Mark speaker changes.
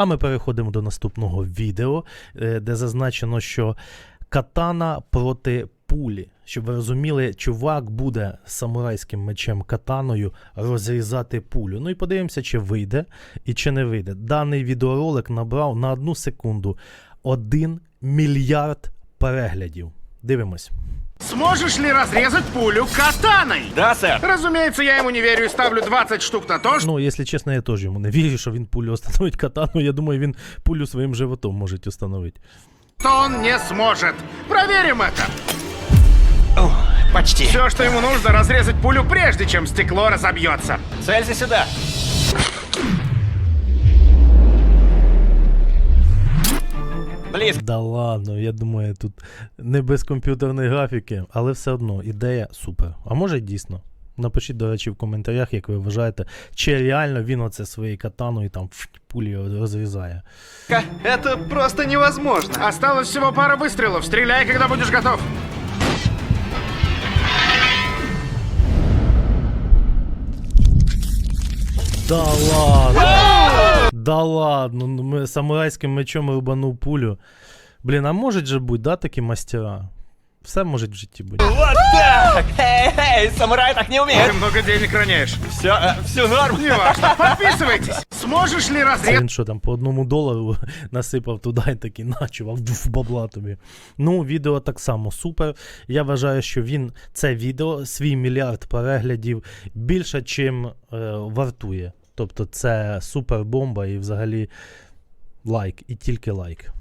Speaker 1: А ми переходимо до наступного відео, де зазначено, що катана проти пулі. Щоб ви розуміли, чувак буде самурайським мечем катаною розрізати пулю. Ну і подивимося, чи вийде і чи не вийде. Даний відеоролик набрав на 1 секунду 1 мільярд переглядів. Дивимось.
Speaker 2: Сможешь ли разрезать пулю катаной?
Speaker 3: Да, сэр.
Speaker 2: Разумеется, я ему не верю и ставлю 20 штук на то, что
Speaker 1: Ну, якщо чесно, я теж йому не вірю, що він пулю встановить катану. Я думаю, він пулю своїм животом може встановити.
Speaker 2: он не сможет. Проверим это.
Speaker 3: Почти.
Speaker 2: Все, что ему нужно, разрезать пулю, прежде чем стекло разобьется.
Speaker 3: Целься сюда. Близко.
Speaker 1: Да ладно, я думаю, тут не без комп'ютерної графіки, але все одно ідея супер. А може дійсно? Напишіть, до речі, в коментарях, як ви вважаєте, чи реально він оце своєю катаною там пулі розрізає.
Speaker 3: Это просто невозможно.
Speaker 2: Осталось всего пара выстрелов. Стреляй, когда будешь готов.
Speaker 1: Да ладно! Да ладно, ну ми самурайським мечом рубанув пулю. Блін, а можуть же бути, да, такі мастера? Все може в житті бути.
Speaker 3: Вот так! Эй, самурай так не
Speaker 2: Ты
Speaker 3: умеет.
Speaker 2: много денег роняешь.
Speaker 3: Все норм.
Speaker 2: Неважно. Подписывайтесь. Сможешь ли
Speaker 1: Це
Speaker 2: разрезать
Speaker 1: він що там по $1 насипав туди і такий начував в бабла тобі. Ну, відео так само супер. Я вважаю, що він, це відео, свій мільярд переглядів більше, чим вартує. Тобто це супер бомба і взагалі лайк, і тільки лайк.